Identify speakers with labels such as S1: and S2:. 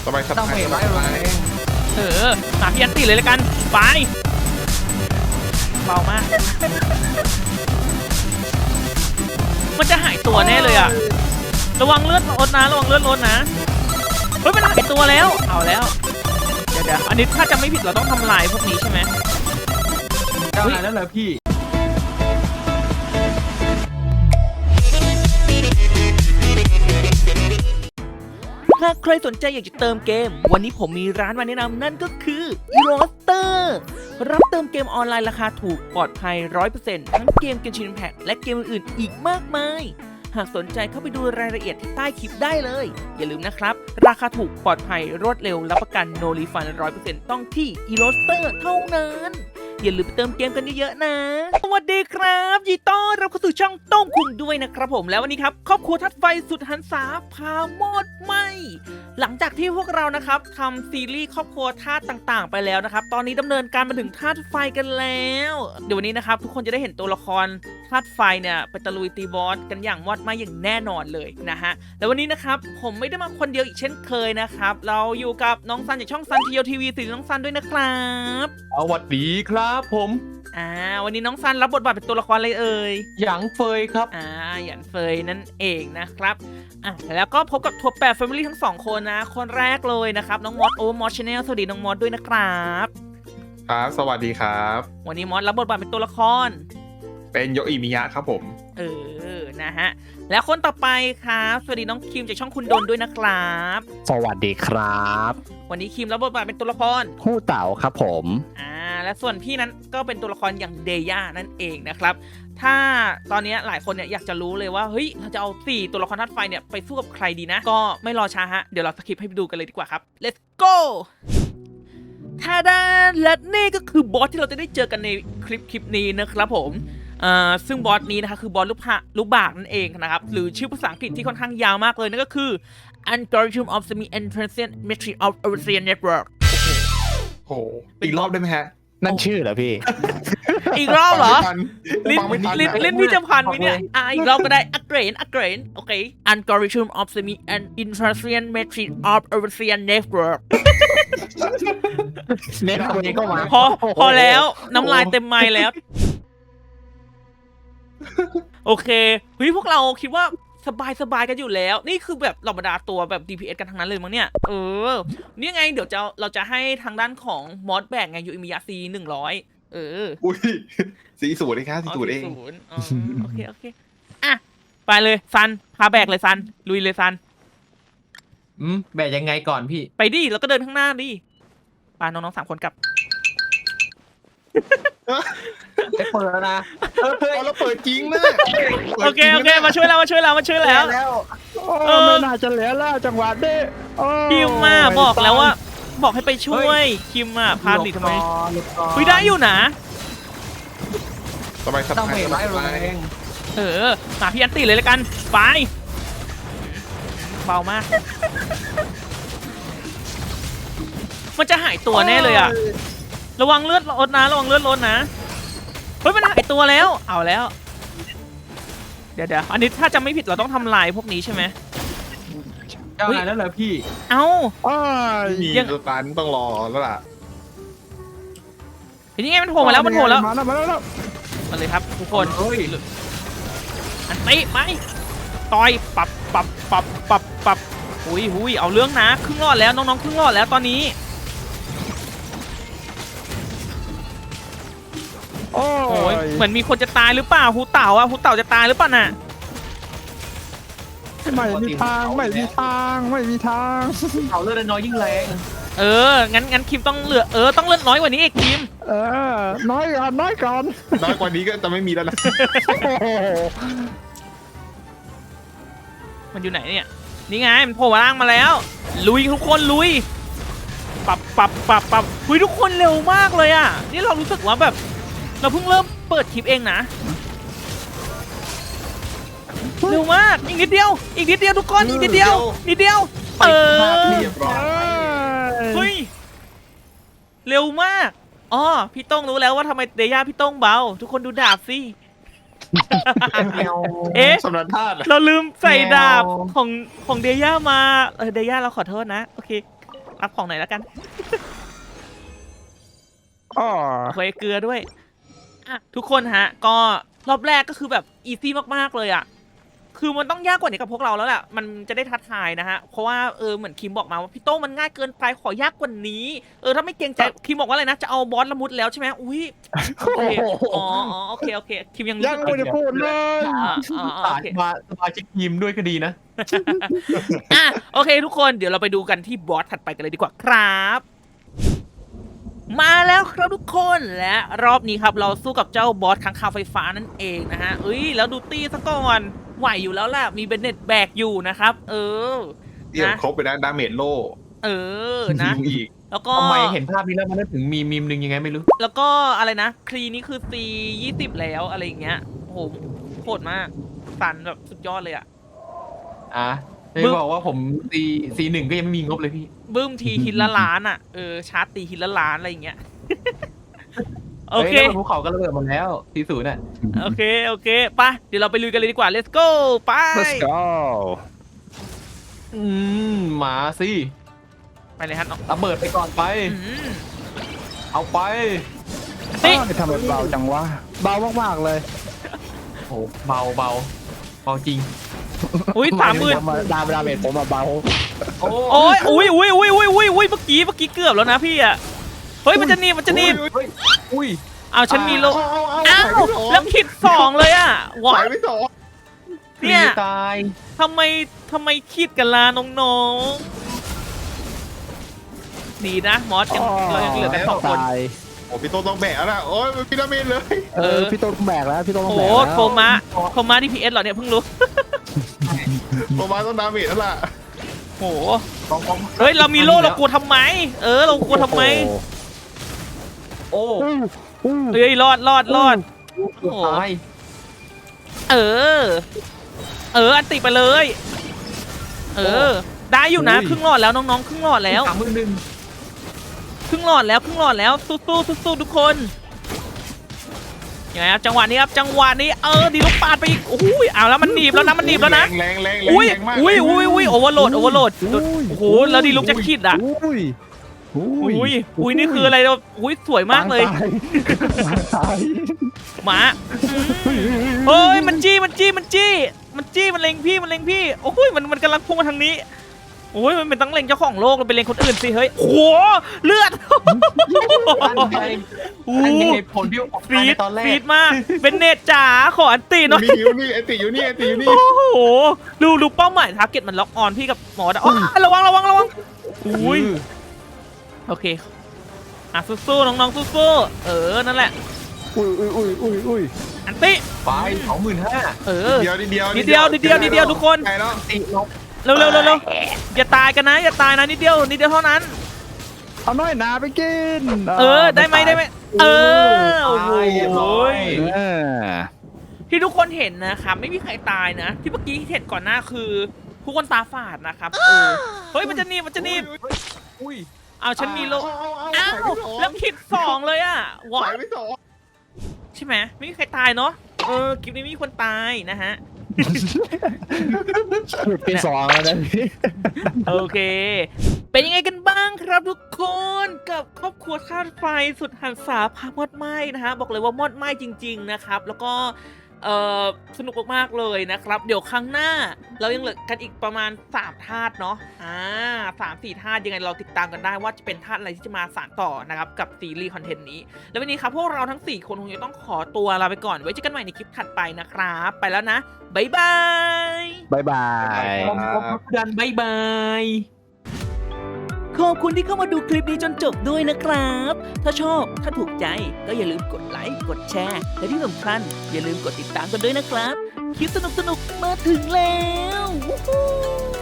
S1: สบายส
S2: ต้อง
S1: บาย
S2: เห็น
S1: ส
S2: ไหม
S1: บาย
S3: หาพี่อันตีเลยแล้วกันไปเบามากมันจะหายตัวแน่เลยอะระวังเลือดลดนะระวังเลือดลดนะเฮ้ยมันหายตัวแล้วเอาแล้วเดี๋ยวอันนี้ถ้าจะไม่ผิดเราต้องทำลายพวกนี้ใช่ไหม
S2: ได้แล้วเหรอพี่
S3: หากใครสนใจอยากจะเติมเกมวันนี้ผมมีร้านมาแนะนำนั่นก็คือ Eroster รับเติมเกมออนไลน์ราคาถูกปลอดภัย 100% ทั้งเกมGenshin Impact และเกมอื่นๆอีกมากมายหากสนใจเข้าไปดูรายละเอียดที่ใต้คลิปได้เลยอย่าลืมนะครับราคาถูกปลอดภัยรวดเร็วรับประกัน No Refund 100% ต้องที่ Eroster เท่านั้นอย่าลืมไปเติมเกมกันเยอะๆนะสวัสดีครับยินดีต้อนรับเข้าสู่ช่องโต้งคุงด้วยนะครับผมแล้ววันนี้ครับครอบครัวทัดไฟสุดหันษาพามอดไหมหลังจากที่พวกเรานะครับทำซีรีส์ครอบครัวธาตุต่างๆ ไปแล้วนะครับตอนนี้ดำเนินการมาถึงธาตุไฟกันแล้วเดี๋ยววันนี้นะครับทุกคนจะได้เห็นตัวละครธาตุไฟเนี่ยไปตะลุยตีบอสกันอย่างมอดไหมอย่างแน่นอนเลยนะฮะแล้ววันนี้นะครับผมไม่ได้มาคนเดียวอีกเช่นเคยนะครับเราอยู่กับน้องซันจากช่องซันทีโอทีวีสื่อน้องซันด้วยนะครับ
S2: สวัสดีครับผม
S3: วันนี้น้องซันรับบทบาทเป็นตัวละครอะไรเอ่ย
S2: หยางเฟยครับ
S3: หยันเฟยนั่นเองนะครับแล้วก็พบกับทัวร์แปดแฟมิลี่ทั้งสองคนนะคนแรกเลยนะครับน้องมอสมอสชาแนลสวัสดีน้องมอสด้วยนะครับ
S1: ครับสวัสดีครับ
S3: วันนี้มอสรับบทบาทเป็นตัวละคร
S1: เป็นโยอิมิยะครับผม
S3: นะฮะแล้วคนต่อไปครับสวัสดีน้องคิมจากช่องคุณดนด้วยนะครับ
S4: สวัสดีครับ
S3: วันนี้คิมรับบทบาทเป็นตัวละคร
S4: ฮู้เต๋าครับผม
S3: และส่วนพี่นั้นก็เป็นตัวละครอย่างเดย่านั่นเองนะครับถ้าตอนนี้หลายคนเนี่ยอยากจะรู้เลยว่าเฮ้ยเราจะเอา4ตัวละครธาตุไฟเนี่ยไปสู้กับใครดีนะก็ไม่รอช้าฮะเดี๋ยวเราสคิปให้ไปดูกันเลยดีกว่าครับ let's go ท่าดาและนี่ก็คือบอสที่เราจะได้เจอกันในคลิปนี้นะครับผมซึ่งบอสนี้นะคะคือบอสลูกบากนั่นเองนะครับหรือชื่อภาษาอังกฤษที่ค่อนข้างยาวมากเลยนั่นก็คือ Algorithm of Semi-Entrancing Matrix of Evolution Network
S1: โอ้โหอีกรอบได้ไหมฮะ
S4: นั่นชื่อเหรอพี่
S3: อีกรอบเหรอ
S1: ฟังไม่ทัน
S3: ลิ้นพี่จะพันไหมเนี่ยอีกรอบก็ได้ again โอเค Algorithm of Semi-Entrancing Matrix of Evolution Network
S4: เน็ตคนนี้ก็มา
S3: พอแล้วน้ำลายเต็มไม้แล้ว โอเคเฮ้ยพวกเราคิดว่าสบายกันอยู่แล้วนี่คือแบบเหล่าบรรดาตัวแบบ DPS กันทั้งนั้นเลยมั้งเนี่ยนี่ไงเดี๋ยวเราจะให้ทางด้านของมอสแบกไงยูอิมิยะซี100
S1: อุ้ย40เลยครับ40เอง
S3: โอเคไปเลยซันพาแบกเลยซันลุยเลยซัน
S2: แบกยังไงก่อนพี่
S3: ไปดิแล้วก็เดินข้างหน้าดิปาน้องๆ3 คนกลับ
S2: ได้เปิดแล้วนะ
S1: เราเปิดจริงนะ
S3: โอเคมาช่วยแล้ว
S4: ไม่น่าจะเหลือแล้วจังหวะนี้
S3: คิมมาบอกแล้วว่าบอกให้ไปช่วยคิมพาดิทำไมคุยได้อยู่นะ
S1: สบายส
S2: ต้อง
S1: บาย
S2: เห็นไหม
S1: สบาย
S3: หาพี่อันตีเลยแล้วกันไปเบามากมันจะหายตัวแน่เลยอะระวังเลือดลดนะระวังเลือดลดนะเฮ้ยมันหายตัวแล้วเอาแล้วเดี๋ยวอันนี้ถ้าจะไม่ผิดเราต้องทำลายพวกนี้ใช่ไหม
S2: ได้แล้วเหรอพี่
S3: เอ้า
S1: มีสตันต้องรอแล้วล่ะ
S3: เห็นยังไงมันโผล่มาแล้วมาแล้ว
S4: มาแล้ว
S3: มาเลยครับทุกคน
S2: เฮ้ย
S3: อันตีไหมต่อยปับหุยเอาเรื่องนะครึ่งรอดแล้วน้องๆครึ่งรอดแล้วตอนนี้โอ้ยเหมือนมีคนจะตายหรือเปล่าฮูเต่าจะตายหรือเปล่าน่ะ
S4: ไม่มีทาง
S2: เขาเลือดน้อยยิ่งแรง
S3: งั้นคิมต้องเหลือต้องเลือดน้อยกว่านี้อีกคิม
S4: น้อยก่อน
S1: น้อยกว่านี้ก็จะไม่มีแล้วนะ
S3: มันอยู่ไหนเนี่ยนี่ไงมันโผล่มาล่างมาแล้วลุยทุกคนลุยปับหุยทุกคนเร็วมากเลยอ่ะนี่เรารู้สึกว่าแบบเราเพิ่งเริ่มเปิดคลิปเองนะเร็วมากอีกนิดเดียวทุกคนอีกนิดเดียวเรียบร้อยเฮ้ยเร็วมากพี่ต้องรู้แล้วว่าทำไมเดย่าพี่ต้องเบาทุกคนดูดาบสิ
S1: สำนักธาตุ
S3: เราลืมใส่ดาบของเดย่ามาเดย่าเราขอโทษนะโอเครับของหน่อยแล้วกัน
S4: อ๋อ
S3: โอเคเกลือด้วยอ่ะทุกคนฮะ ก็รอบแรกก็คือแบบอีซี่มากๆเลยอ่ะคือมันต้องยากกว่านี้กับพวกเราแล้วแหละมันจะได้ท้าทายนะฮะเพราะว่าเหมือนคิมบอกมาว่าพี่โต้มันง่ายเกินไปขอยากกว่านี้ถ้าไม่เกรงใจคิมบอกว่าอะไรนะจะเอาบอสละมุดแล้วใช่ไหมอุ้ยโอเคอ๋อโอเคโอเคคิมยังรู้
S4: ยัง
S3: สึก
S4: ไม่ได้พูดเลย
S2: สา
S3: โอย เค
S2: สมาชิกทีมด้วยก็ดีนะ
S3: อ่ะโอเคทุกคนเดี๋ยวเราไปดูกันที่บอสถัดไปกันเลยดีกว่าครับมาแล้วครับทุกคนและรอบนี้ครับเราสู้กับเจ้าบอสค้างคาวไฟฟ้านั่นเองนะฮะแล้วดูตี้ซะก่อนไหวอยู่แล้วแหละมีเบนเน็ตแบกอยู่นะครับ
S1: เตรียมครบไปนะดาเมจโล่
S3: นะ
S1: ยิงอีก
S3: แล้วก็
S2: ทำไมเห็นภาพนี้แล้วมันนึกถึงมีมหนึ่งยังไงไม่รู้
S3: แล้วก็อะไรนะครีนี่คือ C20 แล้วอะไรอย่างเงี้ยโอ้โหโหดมากสันแบบสุดยอดเลยอะ
S2: ไม่บอกว่าผมC1ก็ยังไม่มีงบเลยพี่
S3: บึ้มทีฮิตละล้านอ่ะชาร์จตีฮิตละล้านอะไรอย่างเงี้ย โอเค
S2: ฮ้ยแล้วภูเขาก็ระเบิดหมดแล้วC0น่ะ
S3: โอเคไปเดี๋ยวเราไปลุยกันเลยดีกว่า let's go ไป
S4: let's go
S2: มาสิ
S3: ไปเลยฮะน้อง
S2: ระเบิดไปก่อนไป เอาไป
S3: นี่
S4: ทำไมเบาจังวะเบามากๆเลย
S2: โอ้เบาจริง
S3: อุ้ย30,000
S4: ดาเมจผมเบา
S3: โอ้ยอุ้ยเมื่อกี้เกือบแล้วนะพี่อ่ะเฮ้ยมันจะหนีบ
S2: อุ้ย
S3: เอาฉันมีโล
S1: เอา
S3: อ้าวแล้วคิด2เลยอ่ะวะ
S1: ไหวไม่สอง
S3: เนี่ย
S2: ตาย
S3: ทำไมคิดกันล่ะน้องๆดีนะมอสยังเรายังเหลือกัน2 คน
S1: โอ้พี่โตต้องแบกแล้วนะโอ้ยพี่ดาเมจเลย
S4: พี่ต้นแบกแล้วพี่ต้นต้อง
S3: โอ้
S4: แบก
S3: โห
S4: แล้ว
S3: โทรมาที่พีเอสเหรอเนี่ยเพิ่งรู้
S1: โตมาต้องดาเมจแล้วล่ะ
S3: โหเฮ้ยเรามีโล่เรากลัวทำไมเรากลัวทำไม
S2: โอ้
S3: เฮ้ยรอด
S2: ตาย
S3: อันติไปเลยได้อยู่นะครึ่งหลอดแล้วน้องๆครึ่งหลอดแล้ว
S2: 31,000
S3: ครึ่งหลอดแล้วสู้ทุกคนยังไงครับจังหวะนี้ดีลูกปาดไปอีกโอ้ยเอาแล้วมันหนีบแล้วนะ
S1: แรง
S3: อุ้ย
S1: มาก
S3: โอเวอร์โหลดโอ้โหแล้วดีลูกจะคิดอ่ะอุ้ยนี่คืออะไรอุ้ยสวยมากเลยหมาเฮ้ยมันจี้มันเล็งพี่โอ้ยมันกำลังพุ่งมาทางนี้โอ้ยมันเป็นตั้งเล็งเจ้าของโลกมันเป็นเล็งคนอื่นสิเฮ้ยโอ้โหเลือด
S2: อันนี้ผลที่ออกมาในตอนแรก
S3: ฟีดมากเป็นเนตจ๋าขออันตีหน่อย
S1: มีอยู่นี่ไอติอยู่นี่
S3: โอ้โหดูเป้าหมายทาร์เก็ตมันล็อกออนพี่กับหมอดะระวังอุ้ยโอเคสู้น้องๆสู้นั่นแหละ
S4: อุ้ย
S3: อันติ
S2: ไป25,000
S1: เดียว
S3: นิดเดียวทุกคน
S1: ไกลแล้ว
S2: ติลบ
S3: เร็วอย่าตายกันนะนิดเดียวเท่านั้น
S4: เอาน้อยนาไปกิน
S3: ได้ไหมโอ้โหที่ทุกคนเห็นนะครับไม่มีใครตายนะที่เมื่อกี้เห็นก่อนหน้าคือทุกคนตาฝาดนะครับเฮ้ยมันจะหนีบ
S2: อุ้ย
S3: เอาฉันมีโลอ้าวแล้วคิด2เลยอ่ะ
S1: ไหวไม่สอง
S3: ใช่ไหมไม่มีใครตายเนาะคลิปนี้ไม่มีคนตายนะฮะ
S4: เป็น2แล้วนะพี่
S3: โอเค เป็นยังไงกันบ้างครับทุกคนกับครอบครัวธาตุไฟสุดหันษาพามอดไหม้นะฮะบอกเลยว่ามอดไหม้จริงๆนะครับแล้วก็สนุกมากๆเลยนะครับเดี๋ยวครั้งหน้าเรายังเหลือกันอีกประมาณ3ธาตุเนาะ3-4 ธาตุยังไงเราติดตามกันได้ว่าจะเป็นธาตุอะไรที่จะมาสานต่อนะครับกับซีรีส์คอนเทนต์นี้แล้ววันนี้ครับพวกเราทั้ง4คนคงจะต้องขอตัวลาไปก่อนไว้เจอกันใหม่ในคลิปถัดไปนะครับไปแล้วนะบ๊ายบาย
S4: บ๊ายบาย
S2: ดันบ๊ายบาย
S3: ขอบคุณที่เข้ามาดูคลิปนี้จนจบด้วยนะครับ ถ้าชอบถ้าถูกใจก็อย่าลืมกดไลค์กดแชร์และที่สำคัญอย่าลืมกดติดตามกันด้วยนะครับคลิปสนุกๆมาถึงแล้ว